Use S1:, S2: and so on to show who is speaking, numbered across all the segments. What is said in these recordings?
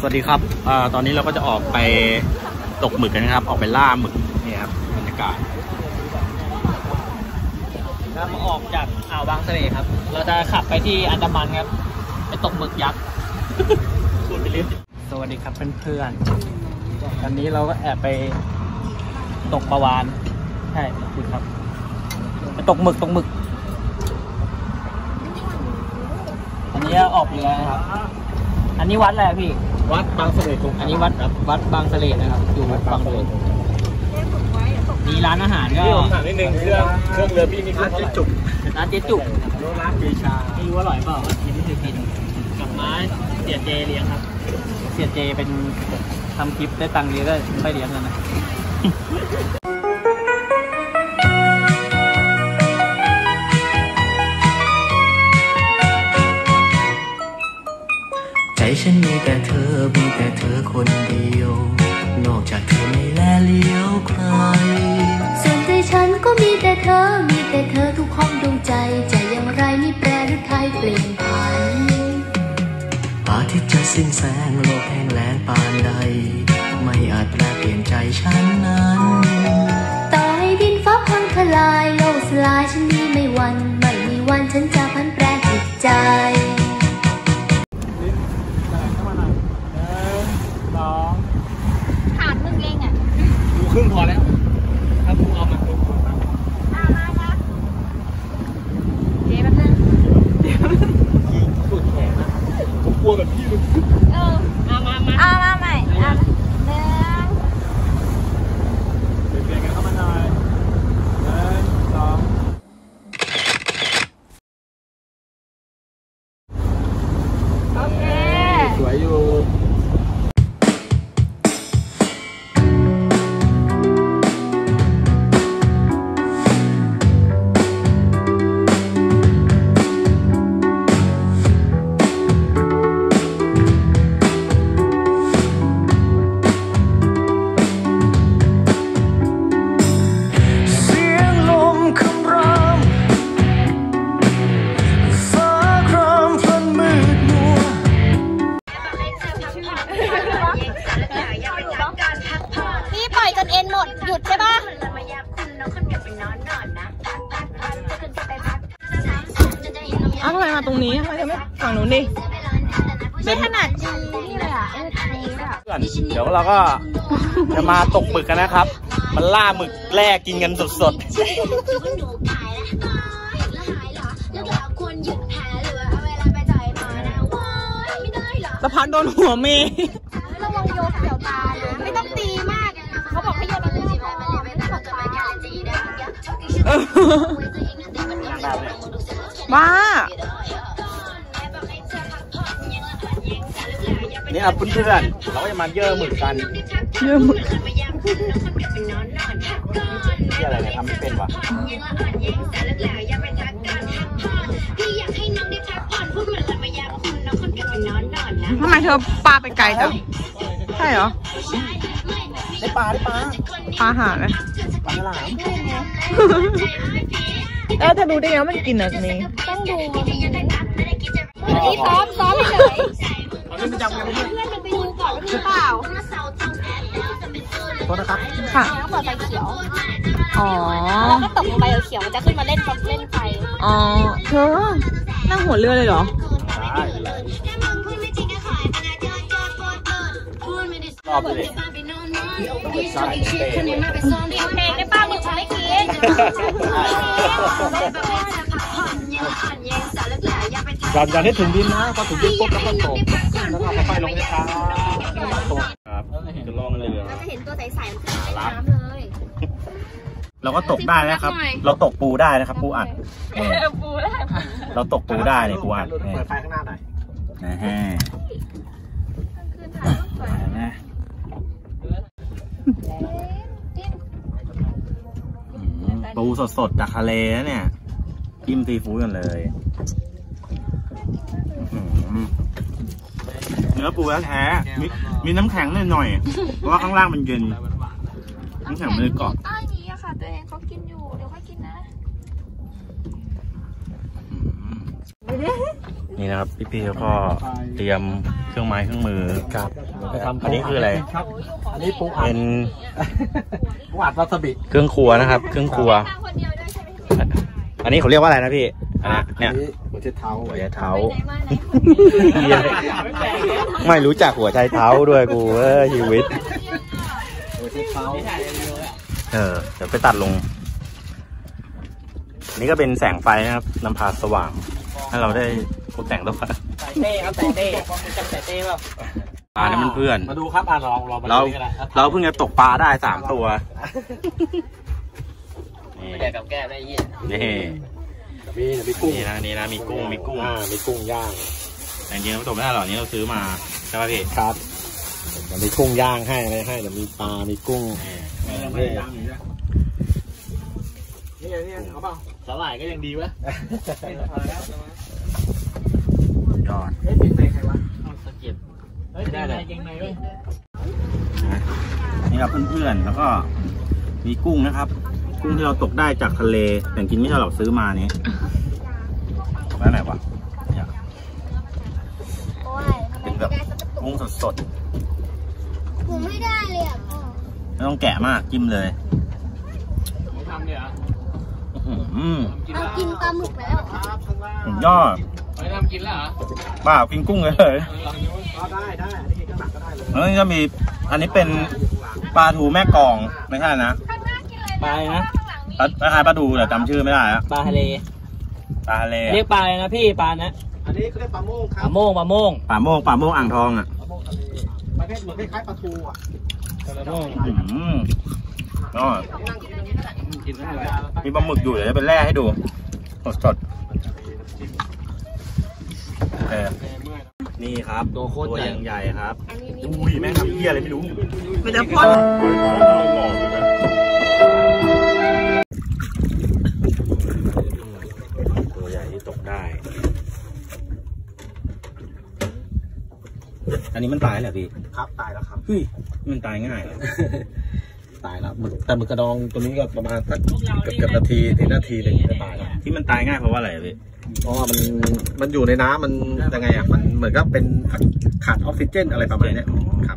S1: สวัสดีครับตอนนี้เราก็จะออกไปตกหมึกกันนะครับออกไปล่าหมึกนี่ครับบรรยากาศเราออกจากอ่าวบางเสร่ครับเราจะขับไปที่อันดามันครับไปตกหมึกยักษ์พูดไปเรื่อยสวัสดีครับเพื่อนๆตอนนี้เราก็แอบไปตกปลาวาฬใช่คุณครับไปตกหมึกอันนี้ออกเรือนะครับอันนี้วัดอะไรพี่วัดบางเสร่อันนี้วัดบางเสร่นะครับอยู่วัดบางเสร่มีร้านอาหารก็ถามนิดนึงเครื่องเรือพี่มีร้านเจ๊จุกร้านเจชาไม่รู้ว่าอร่อยเปล่ากินไม่เคยกินกับม้าเสียเจเลี้ยงครับเสียเจเป็นทำคลิปได้ตังค์เยอะก็ไม่เลี้ยงกันนะ
S2: ใจฉันมีแต่เธอคนเดียวนอกจากเธอไม่แลเลี้ยวใคร
S3: ส่วนใจฉันก็มีแต่เธอทุกห้องดวงใจจะอย่างไรไม่แปรหรือใครเปลี่ยนผัน
S2: อาทิตย์จะสิ้นแสงโลกแห้งแล้งปานใดไม่อาจแปลเปลี่ยนใจฉันนั้น
S3: ต่อให้ดินฟ้าพังทลายโลกสลายฉันนี้ไม่มีวันฉันจะพันแปรจิตใจ
S1: ครึ่งพอแล้วถ้ากูเอามา
S3: มานะเจ๊แป๊บนึง
S1: สุดแขนนะผมกลัวแบบพี่เลย
S3: มาใหม่เป
S1: ลี่ยนกันเข้ามาหน่อย1 2
S3: โอเค
S1: สวยอยู่
S3: หยุดใช่ปะ
S4: ทำไมมาตรงนี้ทำไมจะไม่ฝั่งนู้นดิ
S3: ไม่ถนัดจริงนี่เลยอ่ะ
S1: เดี๋ยวเราก็จะมาตกหมึกกันนะครับมันล่าหมึกแร่กินกันสด
S4: สะพานโดนหัวเมย์
S3: ระวังโยนเกี่ยวตาไม่ต้องตีมากเขาบอกให้โยนตีไปไม่ต้องตาย
S4: บ้า
S1: นี่ครับเพื่อนๆเราก็จะมาเย่อหมึกกันที่อะไรเนี่ยทำไม่เป็นวะ
S4: ทำไมเธอปลาไปไกลจังใช่เหรอ
S1: ได้ปลา
S4: หาไหม
S1: ปลาฉลาม
S4: เธอดูได้ไงว่ามันกินอะไรนี่
S3: ต้องดูที่ซ้อมเฉย
S1: เพื่อน
S3: ไปดูก่อนว่ามีเปล่า
S1: โทษนะครับ
S4: ค่ะ
S3: ต้องเปิดไฟเขียว
S4: อ๋อ
S3: แล้วก็ตกลงไปเขียวมันจะขึ้นมาเล่นไฟ
S4: อ๋อเธอนั่งหัวเรือเลยเหรอ
S1: ได้รอบเลย
S3: เพลงได้ป้ามึงฉันไม่กิน
S1: อย่าให้ถึงดินนะพอถึงดินปุ๊บแล้วก็ตกแล้วก็ค่อยลงช้าครับจะลองเลย
S3: เราจะเห็นตัวใสๆขึ้นในน้ำเลย
S1: เราก็ตกได้แล้วครับเราตกปูได้นะครับปูอัดเราตกปูได้เนี่ยปูอัดเปิดไฟข้างหน้าหน่อยนะฮะปูสดๆจากทะเลนะเนี่ยจิ้มซีฟู้ดกันเลยเนื้อปูแท้ๆมีน้ำแข็งหน่อยๆเพราะว่าข้างล่างมันเย็นน้ำแข็งมันเลยกรอบ
S3: ใต้นี้อะค่ะตัวเองเขากินอยู่เดี๋ยวค่อยกินนะ
S1: นี่นะครับพี่ๆเขาก็เตรียมเครื่องไม้เครื่องมือกับ
S5: อันนี้คืออะไร
S1: ครับอันนี้ปูอัด
S5: เป็น
S1: ปูอัดวาซาบิ
S5: เครื่องครัวนะครับ เครื่องครัว อันนี้เขาเรียกว่าอะไรนะพี่เนี่ย
S1: หัวเช็ดเท้า
S5: หัวใจเท้า ไม่รู้จักหัวใจเท้าด้วยกูชีวิต
S1: หัวเช็ดเท้า
S5: เดี๋ยวไปตัดลง อันนี้ก็เป็นแสงไฟนะครับนำพาสว่างให้เราได้พบแสงตัวฟ้า
S1: ใส่เต้ครับใส่เต้จำใส่เต้เปล่า
S5: นี่มันเพื่อน
S1: มาดูครับลองมาดูกันนะ
S5: เราเพิ่งจะตกปลาได้3 ตัวนี่
S1: ไม่ได้กับแก้ได้ยี่ มีกุ้ง
S5: นี่นะมีกุ้ง
S1: มีกุ้งย่าง
S5: แต่จริงๆเราตกไม่ได้หรอกนี้เราซื้อมาใช่ป่ะพี่
S1: ครับเดี๋ยวมีกุ้งย่างให้อะไรให้เดี๋ยวมีปลา มีกุ้งนี่เอาเปล่าสาหร่ายก็ยังดีวะ
S5: ยอด
S1: เฮ้ยเก่งในใครวะสะเก็ดเฮ้ยเก่งในเว้ย
S5: นี่ครับเพื่อนๆแล้วก็มีกุ้งนะครับ กุ้งที่เราตกได้จากทะเลแต่จริงไม่ใช่เราซื้อมานี้ตกได้ไหนวะเนี่ยเป็นแบบกุ้งสด
S3: ผมไม่ได้เลยอ่ะพ่อ
S5: ๆไม่ต้องแกะมากจิ้มเลย
S1: ไม่ทำเนี่ยเหรอ
S3: เอากินปลาหมึกแล้ว
S5: สุดยอด
S1: ไม่ทำกินแล้วเหรอ
S5: บ้ากินกุ้งเลย
S1: ได้อันนี้ก็หนักก็ได้เลย
S5: แล้วนี่ก็มีอันนี้เป็นปลาทูแม่กลองไม่ใช่นะ
S1: ปลานะ
S5: คล้ายๆปลาทูแต่จำชื่อไม่ได้แล้ว
S1: ปลาทะเล
S5: ปลาทะเล
S1: เรียกปลาอะไรนะพี่ปลานะอันนี้เขาเรียกปลาโม่งครับปลาโม่ง
S5: ปลาโม่งอ่างทองอ่ะ
S1: ประเภทเหมือนคล้ายๆปลาทูอ่ะปลาโม่ง
S5: ก็มีปลาหมึกอยู่เดี๋ยวจะเป็นแร่ให้ดูสดนี่ครับตัวโคตรใหญ่ครับอุ้ยแม่งทำเหี้ยอะไรไม่รู้
S4: มันจะพ่น
S5: ตัวใหญ่ที่ตกได้ อันนี้มันตายเหรอพี่
S1: ครับตายแล้วครับ
S5: เฮ้ยมันตายง่ายเหรอ
S1: ตายแล้วแต่หมึกกระดองตัวนี้ก็ประมาณสักเกือบนาทีถึงนาทีหนึ่งจะตายแล้ว
S5: ที่มันตายง่ายเพราะว่าอะไรพี่
S1: เพราะว่ามันอยู่ในน้ำมันยังไงอ่ะมันเหมือนกับเป็นขาดออกซิเจนอะไรประมาณนี้ครับ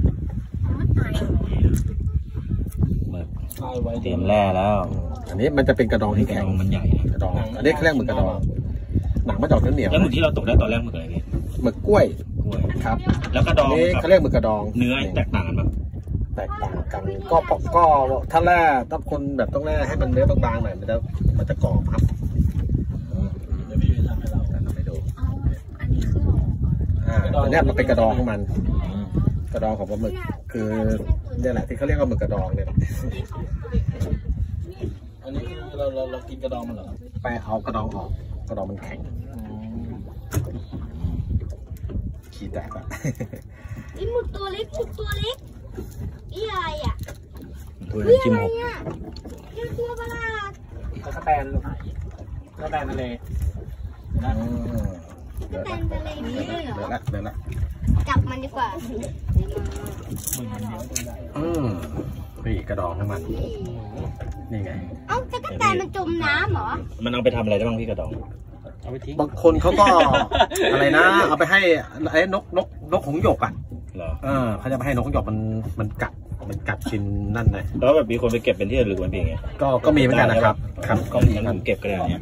S5: เตรียมแร่แล้ว
S1: อันนี้มันจะเป็นกระดองที่แข็ง
S5: มันใหญ่
S1: กระดองอันนี้เขาเรียกหมึกกระดองหนังมันจะออกเหนียว
S5: แล้วหมึกที่เราตกได้ตอนแรกหมึกอะไรพี่
S1: หมึกกล้วย
S5: กล้วย
S1: ครับ
S5: แล้วกระด
S1: อั
S5: อน ง
S1: นี้เขาเรียกหมึกกระดอง
S5: เนื้อแตกต่างกันปะ
S1: แตกต่างกันก็ถ้าแร่ถ้าคนแบบต้องแร่ให้มันเนื้อบางๆหน่อยมันจะกรอบครับไปดูอันนี้มันเป็นกระดองของมันกระดองของปลาหมึกคือเนี่ยแหละที่เขาเรียกว่าหมึกกระดองเนี่ยอันนี้คือเรากินกระดองมันเหรอไปเอากระดองออกกระดองมันแข็งขี้แตกอะ
S3: ไอ้หมึกตัวเล็กอีอะไรอ่ะ
S5: ตัวจิ้มหก
S3: เป็นตัวประหลาด
S1: กระแตนลูกกระแตนทะเล
S3: แต่ทะเลนี้เลยเหรอ
S1: เดี๋ยวละ
S3: จับมันดีกว่า
S1: นี่กระดองของมันนี่ไง
S3: เอ้าจักรแตนมันจมน้ำเหรอ
S5: มันเอาไปทำอะไรได้บ้างพี่กระดอง
S1: บางคนเขาก็ อะไรนะเอาไปให้ไอ้นกหงส์หยกอ่ะ
S5: เหรอ
S1: เขาจะไปให้นกหงส์หยกมันกัดกินนั่นเลย
S5: แล้วแบบมีคนไปเก็บเป็นที่ระลึกมันเป็นไง
S1: ก็มีเหมือนกันนะครับ
S5: ก็มีผมเก็บก็ได้เนี่ย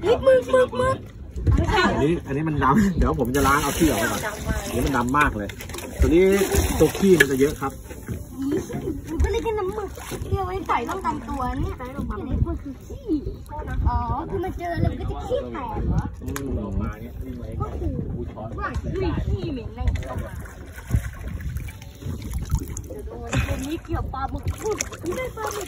S1: อันนี้มันดำเดี๋ยวผมจะล้างเอาขี้ออกไปก่อนอันนี้มันดำมากเลย ตัวนี้ตัวขี้มันจะเยอะครับ
S3: มันก็เลยแค่น้ำหมึกที่เอาไว้ใส่ป้องกันตัวเนี่ยแต่ลงมาเนี่ยมันคือขี้อ๋อคือมันเจอแล้วมันก็จะขี้แตกเหรอก็คือว่าขี้เหม็นอะไรออกมาตัวนี้เกี่ยวปลาหมึกไม่ได้ปลาหมึก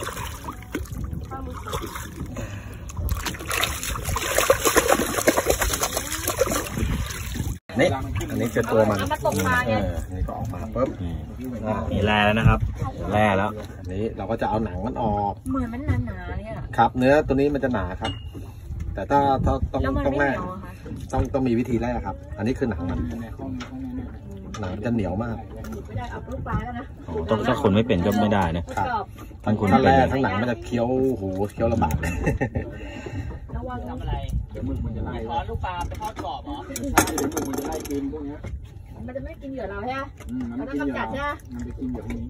S1: นี่อันนี้คือตัวมันนี่ก็ออกมาปุ๊บ
S5: มีแร่แล้วนะครับแร่แล้ว
S1: อันนี้เราก็จะเอาหนังมันออก
S3: เหมือนมันหนาๆเนี่ย
S1: ครับ เนื้อตัวนี้มันจะหนาครับ แต่ถ้าต้องแร่ต้องมีวิธีแร่ครับ อันนี้คือหนังมันหนังมันจะเหนียวมาก
S5: ต้องถ้าคนไม่เป็นก็ไม่ได้นะครับทั้งคน
S1: ถ้า
S5: ไม่เป็น
S1: แร่ทั้งหนังมันจะเคี้ยวเคี้ยวลำบากเลยระวังทำอะไรเดี๋ยวมึงมันจะไล่ทอดลูกปลาไปทอดกรอบเหรอใช่เดี๋ยวมึงมันจะไล่กินพวกนี้
S3: มันจะไม่กินเหยื่อเราใช่ไหมมันต้องกำจัดใช่ไหมมันจะกินเหยื่อพวกนี้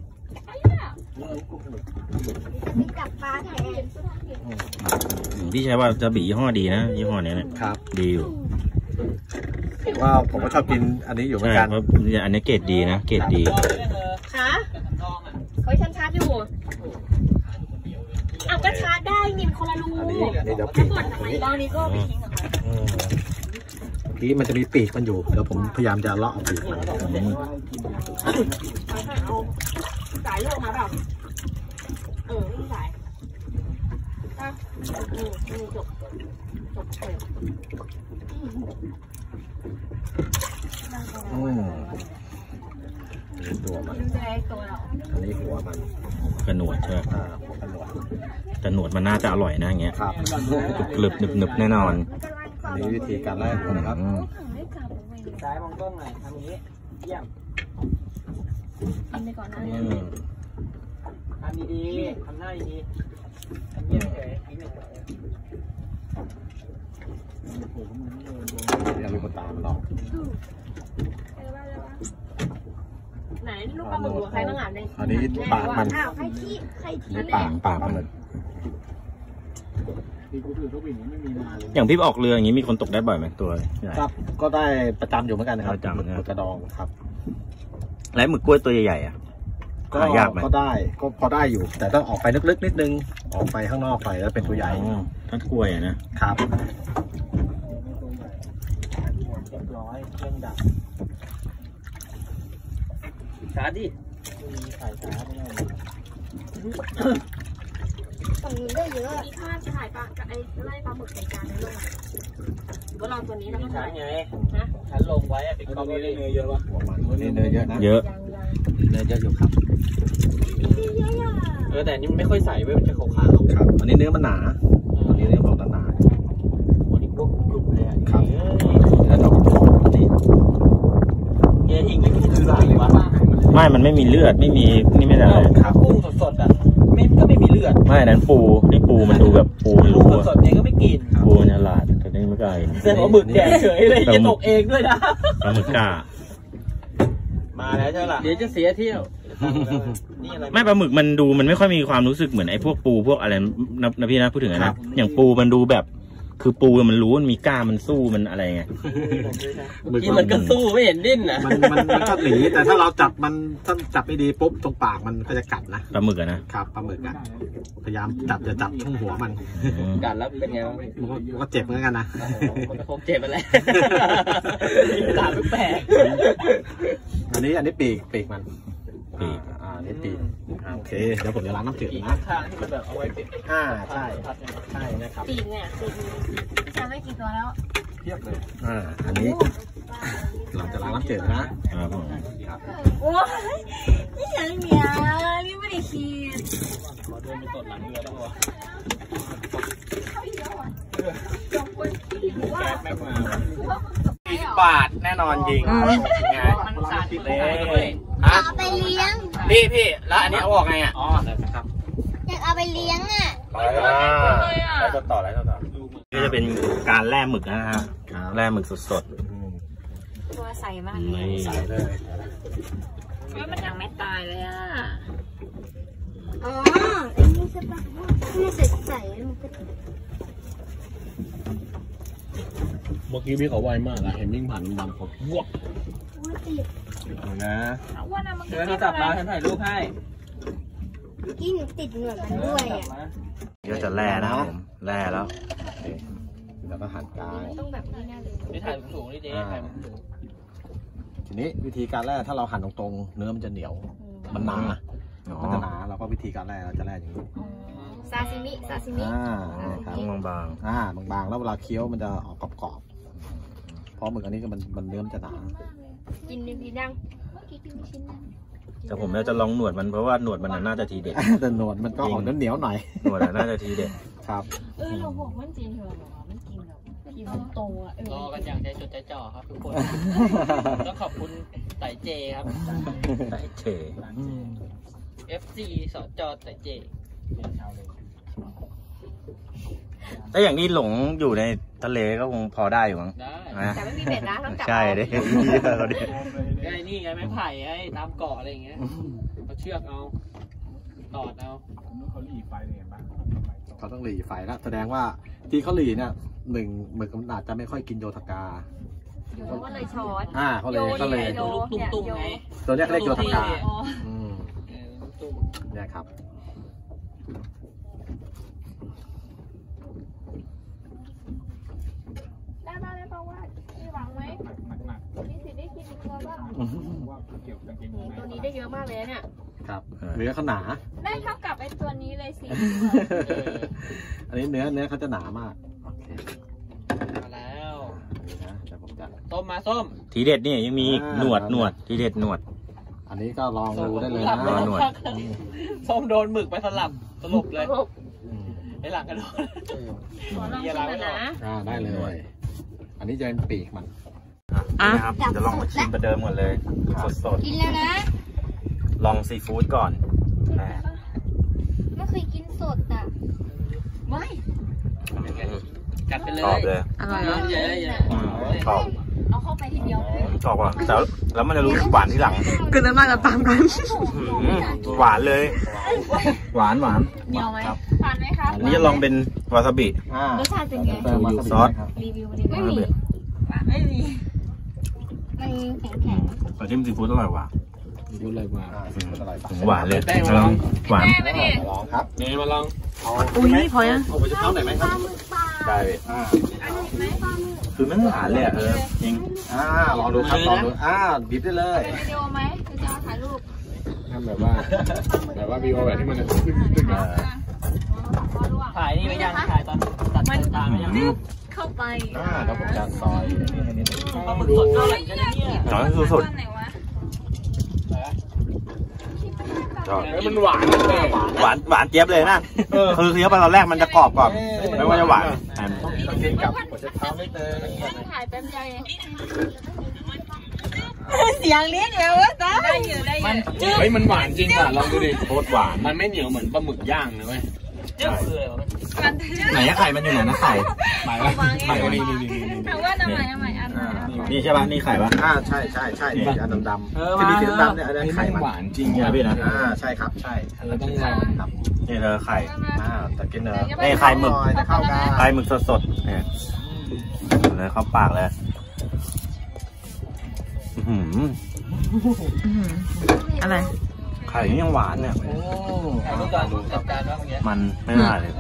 S3: มีจับปลาแทน
S5: พี่ใช้ว่าจะบียี่ห้อดีนะยี่ห้อนี้เนี่ย
S6: ครับ
S5: ดีอยู่
S6: ว่าผมก็ชอบกินอันนี้อยู่เหมือ
S5: ใช่
S6: นกัน
S5: เพราะอันนี้เกรดดีนะเกรดดี
S3: คะเฮ้ยฉันชาร์จอยู่อ้าวก็ชาร์จได้นี่มันคนละรู
S6: อันนี้เดี๋ยว
S3: ถ้า
S6: ปีก
S3: หมดทำไมตอนนี้ก็ไปทิ้ง
S6: เมื่อกี้มันจะมีปีกมันอยู่เดี๋ยวผมพยายามจะเลาะเอาปีกมัน
S3: เอาสายเลือกมาเปล่าสายจบ
S6: ตัวมัน
S3: ดูใจตัวเรา
S6: อันนี้หัวมัน
S5: กระหนวดใช่ไหม
S6: หัวกระหนวด
S5: แต่หนวดมันน่าจะอร่อยนะอย่างเงี้ย
S6: ครับ
S5: กรึบๆหนึบๆแน่นอน
S6: อันนี้วิธีการแรกนะครับ
S1: ซ้ายมองกล้องหน่อยทำอย่างนี้เยี่ยม
S3: กินไปก่อนนะ
S1: ทำดีๆทำหน้าดีๆทำเยี่ยมเฉยๆ
S6: นี่มีคนตามมันหรอก
S3: ไหนลูกปลาหมึกใครต้องอ่านเลย
S6: อันนี้ปากมัน
S3: อ้าวใครที่
S6: นี่ปากมัน
S5: อย่างพี่ออกเรืออย่างนี้มีคนตกได้บ่อยไหมตัวใหญ่
S6: ครับก็ได้ประจำอยู่เหมือนกันนะครับ
S5: ประจำนะ
S6: หมึกกระดองครับ
S5: แล้วหมึกกล้วยตัวใหญ่ๆอ่ะ
S6: ก็
S5: หายากไหม
S6: ก็ได้ก็พอได้อยู่ แต่ต้องออกไปลึกๆนิดนึงออกไปข้างนอกไปแล้วเป็นตัวใหญ่
S5: อ๋อถ้ากล้วยอะนะครับ
S1: เรียบร้อยเครื่องดับชาร์จดิมีสายชาร์จไม่ได้
S3: ฝั่งนู้นได้เยอะมีภาพถ่ายปลากับไอ้ไล่ปลาหมึกใส่จานในโลกก็ลองตัวนี้แล้วก็
S1: ชา
S3: ถ่า
S1: ร์
S3: ย
S1: จไง
S3: นะ
S1: ฉันลงไว้เป็นกล้องได้เนื้อเยอะปะ
S6: หัวมันนี่เนื้อเยอะนะ
S5: เยอะ
S6: เนื้อเยอะอยู่ครับ
S1: แต่นี่มันไม่ค่อยใสเว้ยมันจะขาว
S6: ครับอันนี้เนื้อมันหนาอันนี้เนื้อบอกหนา
S1: ๆวันนี้พวกกลุ่มเลยอ่ะ
S6: ๆครับเนื้อดอกอันนี้
S1: เฮียอิงไม่กินคืออะไรวะ
S5: ไม่มันไม่มีเลือดไม่มีนี่ไม่ได้อะไร
S1: ครับกุ้งสดๆอ่ะก็ไม่มีเลือด
S5: ไม่นั้นปูนี่ปูมันดูแบบปูมัน
S1: ลู
S5: รู้
S1: ก
S5: อะ
S1: สดๆเองก็ไม่กิน
S5: ปูมันฉลาดแต่นี่ไม่กล้ากิน
S1: เส้นหัวหมึกแดงเฉยเลยจะตกเองด้วยนะ
S5: ปลาหมึกกล้า
S1: มาแล้วใช่ไหมล่ะเดี๋ยวจะเสียเที่ยวนี่อะไร
S5: ไม่ปลาหมึกมันดูมันไม่ค่อยมีความรู้สึกเหมือนไอ้พวกปูพวกอะไรนะพี่นะพูดถึงนะอย่างปูมันดูแบบ คือปูมันรู้มันมีกล้ามมันสู้มันอะไรไง
S1: ที่มันก็สู้ไม่เห็นดิ้นนะ
S6: มันก็หนีแต่ถ้าเราจับมันถ้าจับไม่ดีปุ๊บตรงปากมันก็จะกัดนะ
S5: ปลาหมึกอะนะครับ
S6: ปลาหมึกอะพยายามจับจะจับช่วงหัวมัน
S5: อืม
S1: กัดแล้วเป็นไงบ้าง
S6: มันก็เจ็บเหมือนกันนะ
S1: มันคงเจ็บไปแล้วตาแปลก
S6: อันนี้ปีกมัน
S5: ปีก
S6: อันนี้ปีกโอเคเดี๋ยวผมจะล้างน้ำจืดนะ
S1: ข้างที่มันแบบเอาไว้ปิด
S6: ใช่ใช่นะครับ
S3: ปีกเนี่ยปีกพี่ชาไม่กี่ตัวแล้ว
S6: เทียบเลยอันนี้เราจะล้างน้ำจืดนะครับ
S5: ผม
S3: โอ้ยนี่ยังเนี่ยนี่ไม่ได้คิด
S1: ขอเดินไปตดหลังเรือแล้ววะแก๊สแม็กมา20 บาทแน่นอนจริงไงมันสาดเลย
S3: เอาไปเลี้ยง
S1: พี่แล้วอันนี้เอาออกไงอ่ะอ๋อครับ
S3: อยากเอาไปเลี้ยงอ่ะ
S5: แล้วต่อนี่จะเป็นการแล่หมึกนะฮะแล่หมึกสด
S3: ตัวใสมาก
S5: ๆนี่
S6: ใส่เลย
S3: มันยังไม่ตายเลยอ่ะอ๋ออันนี้ใช่ปะไม่ใส่มันก็
S6: เมื่อกี้พี่เขาไวมากอะเห็นวิ่งผ่านบางคนวก
S3: ติด
S6: นะ
S1: เดี๋ยวโทรศัพท์มาฉันถ่ายรูปให้
S3: กินติดเหงื่อมันด้วยอ่ะ
S5: ก็จะแล่นะครับผมแล่แล้ว
S6: แล้วก็หั่นกลาง
S3: ต้องแบบนี้แน่เลย
S1: นี่ถ่ายสูงๆนี่เจ๊ถ่ายสูง
S6: ทีนี้วิธีการแล่ถ้าเราหั่นตรงๆเนื้อมันจะเหนียวมันหนา
S5: อ๋อ
S6: มันจะหนาเราก็วิธีการแล่เราจะแล่อย่างนี้
S3: ซาซิมิ
S6: ครับ
S5: บาง
S6: บางๆแล้วเวลาเคี้ยวมันจะออกกรอบๆเพราะหมึกอันนี้ก็มันเนื้อมันจะหนา
S3: กินดีดังเมื่อกี้กินไม่ชิ้นนะ
S5: ๆแต่ผมจะลองหนวดมันเพราะว่าหนวดมันน่าจะทีเด็ด
S6: แต่หนวดมันก็ออกเหนียวๆหน่อย
S5: หนวดน่าจะทีเด็ด
S6: ครับ
S3: เราบอกมันจริงเหรอมันกินแบบกินโตอ่ะ
S1: รอกันอย่างใจจดใจจ่อครับทุกคนต้องขอบคุณไต่เจครับ
S5: ไต่เฉ
S1: FC สจไต่เจ
S5: ถ้าอย่างนี้หลงอยู่ในทะเลก็คงพอได้อยู่มั้ง
S1: ได้
S5: นะ
S3: แต่ไม่มีเบ็ดนะต้องจับ
S5: ใช่ดิเขาดิ
S1: ไอ้นี่ไงไม้ไผ่ไอ้ตามเกาะอะไรอย่างเงี้ยเอาเชือกเอาตอดเอา
S6: เขาต้องหลีไฟแล้วแสดงว่าที่เขาหลีเนี่ยหนึ่งหมึกมันอาจจะไม่ค่อยกินโยธกา
S3: เขาก็เลยช้อน
S6: เขาเลย
S1: ตัวลูกตุ้มๆไง
S6: ตัวเนี้ยเขาเรียกโยธกา
S3: อ๋อ
S1: ลูกตุ้ม
S6: เนี่ยครับ
S3: ได้ป่าวว่ามีหวังไหมมีสิทธิ์ได้กินอีกตัวบ้างตัวนี้ได้เยอะมากเลยเนี่ย
S6: ครับเนื้อเขาหนา
S3: ได้เท่ากับไอ้ตัวนี้เลยสิ
S6: อันนี้เนื้อเขาจะหนามากโอเค
S1: มาแล้ว
S6: นะเดี๋ยวผมจะ
S1: ส้มมาส้ม
S5: ทีเด็ดนี่ยังมีอีกหนวดทีเด็ดหนวด
S6: อันนี้ก็ลองดูได้เลย
S1: ส้
S6: นะ
S1: ม
S5: หนวด
S1: ส้มโดนหมึกไปสลบเลย
S6: อืม
S1: ไอ้หลังกระโดด
S3: ขอลองชิมหน่อยนะ
S6: ได้เลย อันนี้จะเป็นปีกมัน
S5: นะครับจะลองมาชิมประเดิมก่อนเลยสด
S3: กินแล้วนะ
S5: ๆลองซีฟู้ดก่อนแม่
S3: ไม่เคยกินสดอ่ะไม่
S1: กัดไปเลย
S5: ชอบเลย
S4: อร่อยเหรอ
S1: เยอะ
S5: ชอบ
S3: เอาเข้าไปทีเดียว
S5: ชอบว่ะแต่แล้วมันจะรู้สึกหวานที่หลัง
S4: กลืนน้ำลายตามกัน
S5: หวานเลย หวาน
S3: เหนียวไหมทานไหมคะ
S5: อันนี้จะลองเป็นวาซาบิ
S3: รสชาติเป็นไง
S6: เติมวาซาบิ
S5: ซอส
S6: ครับ
S3: รีวิวไม่มีไม่มีมันแข็ง
S5: แต่จิ้มซีฟู้ดอร่อยกว่า
S6: ยุเลยมาอร่อย
S5: หวานเลยลองหวาน
S6: ลองครับ
S1: นี่มาลอง
S4: อุ้ยพอยัง
S6: เอาไปจะเท้าไหนอยไหม
S3: ๆ
S6: ค
S3: ป
S6: รั
S3: ลา
S6: บ
S3: หมึกปลา
S5: ได้ คือมันหวานเลยจริง
S6: ลองดูครับลองดูดิบได้เลย
S3: เป็นวิดีโอไหมคือจะถ่ายรูป
S6: ทำแบบว่าวิวแบบที่มันจะตึ้ง
S1: ถ่ายนี่ไม่ยังถ่ายตอนตัดตาไม่ยัง
S3: เข้าไป
S6: แล้วผมจะซอยให้นิดนึง
S1: ปลาหมึกสดเท่าไหร่กันเนี่ย
S5: น้อยสุด
S3: ไหนวะ
S5: ชอบ
S6: มันหวาน
S5: หวานเจี๊ยบเลยนะคือเคี้ยวไปตอนแรกมันจะกรอบก่อนไม่ว่าจะหวาน
S6: ต้องกินกับหัวจะเท้าไม่เติม
S3: ถ่ายแป๊บเดียวเอง
S4: เสียงเลี้ยงแล้ววะจ้า
S3: ได้อยู่ได้อยู่
S6: เฮ้ยมันหวานจริงป่ะลองดูดิ
S5: โคตรหวาน
S6: มันไม่เหนียวเหมือนปลาหมึกย่างนะเว้ย
S1: เจ้าคืออะไรวะ
S5: ไหนไข่มันอยู่ไหนนะไข่
S6: ไข่นี่
S3: ถามว่าทำไมอัน
S5: นี่ใช่ป่ะนี่ไข่ป่ะ
S6: ใช่นี่อันดำๆที่มีสีดำเนี่ยอันนี้ไข่มันหวานจริง
S5: นี่นะพี่นะ
S6: ใช่ครับใช่ต้องลองครับ
S5: นี่เธอไข่
S6: แต่กินเนื้อ
S5: นี่ไข่หมึก
S6: จะเข้ากัน
S5: ไข่หมึกสดๆเนี่ยเลยเข้าปากเลย
S4: อะไร
S5: ไข่นี่ยังหวานเนี่ย
S1: ถ่ายรูปก่อนจัดการว่าเมื่อกี้
S5: มันไม่ได้เลย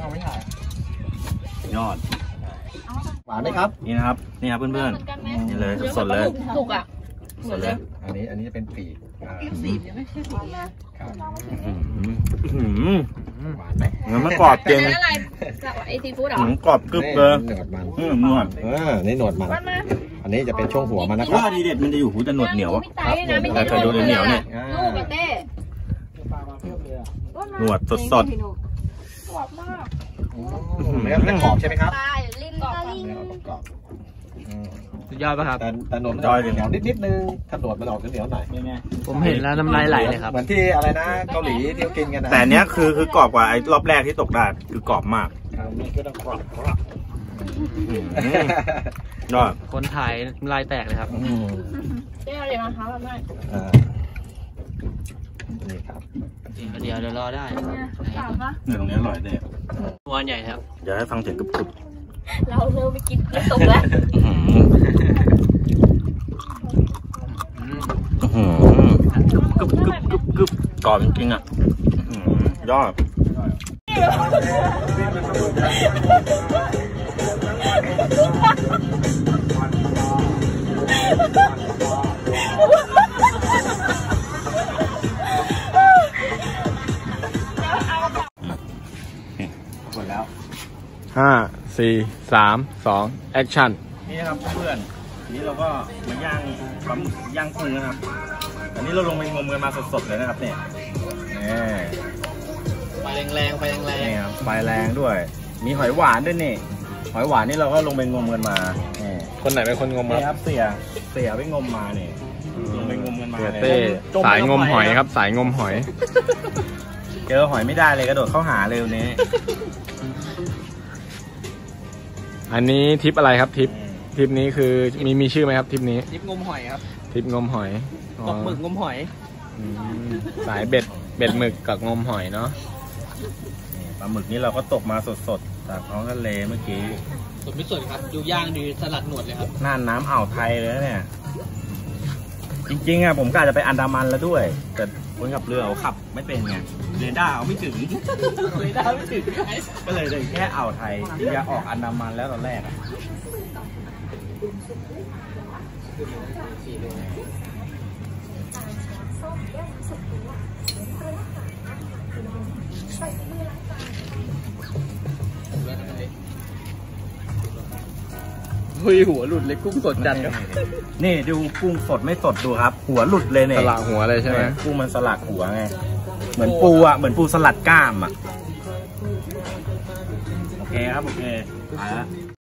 S5: ยอด
S6: หวานไหมครับ
S5: นี่นะครับ นี่ครับเพื่อนๆ นี่เลยสดๆเลย
S3: ถูกอ่ะ
S5: สดเลย
S6: อันนี้จะเป็นปีก หวานไหม
S5: งั้นมันกรอบจริง
S3: อะไรจากไอซีฟู้ดเหรอ
S5: มันกรอบกรึบเลย
S6: หนวดมัน
S5: นวด
S6: นี่หนวดมัน อันนี้จะเป็นช่วงหัวมันนะครั
S5: ว่า
S6: บ
S5: ดีเด็ดมันจะอยู่หูแต่หนวดเหนียว
S3: ไม่ตายนะไม่
S5: แต่เคยดูเหนียวเนี่ย
S3: ลูกเต้
S5: หนวดสด
S6: เนื้อเป็นกรอบใช่ไหมครับ
S3: ปลาลิ้นกรอบ
S6: เนื้อกรอบ
S4: สุดยอดป่ะครับ
S6: แต่หนวดมันเหนียวนิดนึงถ้าหนวดมันออกเหนียวหน่อย
S4: ผมเห็นแล้วน้ำลายไหลเลยครับ
S6: เหมือนที่อะไรนะเกาหลีที่เขากินกันนะ
S5: แต่เนี้ยคือกรอบกว่าไอ้รอบแรกที่ตกได้คือกรอบมาก
S6: นี่ก็ต้องกรอบ
S5: ยอด
S4: คนถ่ายน้ำลายแตกเลยครับ
S3: เต้อะไรมาคะแบบนั้น
S6: นี่ครับ
S4: เดี๋ยวรอได้
S3: กลับปะ
S5: เนี่ยตรงนี้อร่อยเลย
S4: ตัวใหญ่ครับ
S5: เดี๋ยวให้ฟังเสียงกรึบ
S3: เราเริ่มไปกินตกแล้ว
S5: กรึบกรอบจริงๆอ่ะยอด หมดแล้ว
S6: 5 4 3 2 action
S5: นี่นะครับเพื่อนนี้เราก็มาย่างปลาหมึกย่างกุ้งนะครับ อันนี้เราลงไปงมกันมาสดๆเลยนะครับเนี่ย
S1: ไฟแรงไฟแรง
S5: นี่ครับไฟแรงด้วย มีหอยหวานด้วยนี่ หอยหวานนี่เราก็ลงไปงมกันมานี่
S6: คนไหนเป็นคนงม
S5: นี่ครับเสียไปงมมาเนี่ยลงไปงมกันมา
S6: เสีย
S5: เลย
S6: เต้สายงมหอยครับ สายงมหอย
S5: เจอหอยไม่ได้เลยกระโดดเข้าหาเลยวันนี้
S7: อันนี้ทริปอะไรครับทริปนี้คือมีชื่อไหมครับทริปนี้
S1: ทริปงมหอยครับ
S7: ทริปงมหอย
S1: ตกหมึกงมหอย
S7: สายเบ็ดหมึกกับงมหอยเนาะ
S5: ปลาหมึกนี้เราก็ตกมาสดๆจากท้องทะเลเมื่อกี้
S1: สดไม่สดครับดูย่างดูสลัดหนวดเลยครับ
S5: น่านน้ำอ่าวไทยเลยนะเนี่ย จริงๆอ่ะผมกะจะไปอันดามันแล้วด้วย แต่คนขับเรือเขาขับไม่เป็นไงเรดาร์เขาไม่ถึง
S1: เรดาร์ไม่ถึง
S5: ก็เลยแค่อ่าวไทยจะออกอันดามันแล้วตอนแรกอ่ะ
S1: เฮ้ยหัวหลุดเลยกุ้งสดจัดครับ
S5: นี่ดูกุ้งสดไม่สดดูครับ หัวหลุดเลยเนี่ย
S7: สลักหัวเลยใช่ไหม
S5: กุ้งมันสลักหัวไงเหมือนปูอ่ะเหมือนปูสลัดกล้ามอ่ะโอเคครับโอเคไปละ